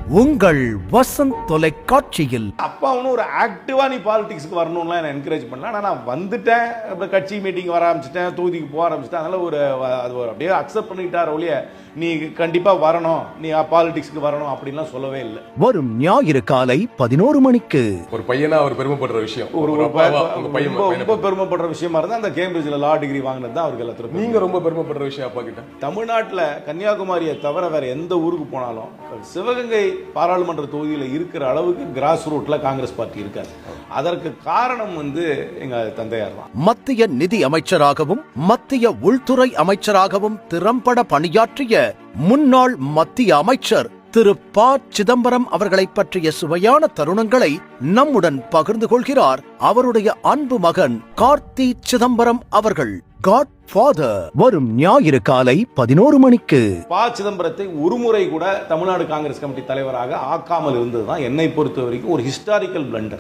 உங்கள் வசந்த் தொலைக்காட்சியில். அப்பா அவனு ஒரு ஆக்டிவா நீ பாலிடிக்ஸ்க்கு வரணும்லாம் என்ன என்கரேஜ் பண்ணல. ஆனா நான் வந்துட்டேன், கட்சி மீட்டிங் வர ஆரம்பிச்சிட்டேன், தொகுதிக்கு போக ஆரம்பிச்சிட்டேன். அதனால அது ஒரு அப்படியே அக்செப்ட் பண்ணிட்டார் ஒழிய நீ கண்டிப்பா வரணும், நீ பாலிடிக்ஸ்க்கு வரணும் அப்படின்லாம் சொல்லவே இல்லை. வரும் ஞாயிறு காலை 11 மணிக்கு. ஒரு பையனா அவர் பெருமைப்படுற விஷயம், ரொம்ப பெருமைப்படுற விஷயமா இருந்தா அந்த கேம்பிரிட்ஜ்ல லா டிகிரி வாங்கினது தான் அவருக்கு எல்லாத்துக்கும். நீங்க ரொம்ப பெருமைப்படுற விஷயம் அப்பா கிட்ட. தமிழ்நாட்டில் கன்னியாகுமரியை தவிர வேற எந்த ஊருக்கு போனாலும் சிவகங்கை பாராளுமன்ற தொகுதியில் இருக்கிற அளவுக்கு கிராஸ் ரூட்ல காங்கிரஸ் பார்ட்டி இருக்காது. அதற்கு காரணம் எங்க தந்தையார் தான். மத்திய நிதி அமைச்சராகவும் மத்திய உள்துறை அமைச்சராகவும் திறம்பட பணியாற்றிய முன்னாள் மத்திய அமைச்சர் திரு ப. சிதம்பரம் அவர்களை பற்றிய சுவையான தருணங்களை நம்முடன் பகிர்ந்து கொள்கிறார் அவருடைய அன்பு மகன் கார்த்தி சிதம்பரம் அவர்கள். காட் ஃபாதர் வரும் ஞாயிறு காலை 11 மணிக்கு. ப. சிதம்பரத்தை ஒருமுறை கூட தமிழ்நாடு காங்கிரஸ் கமிட்டி தலைவராக ஆக்காமல் இருந்ததுதான் என்னை பொறுத்த வரைக்கும் ஒரு ஹிஸ்டாரிக்கல் பிளண்டர்.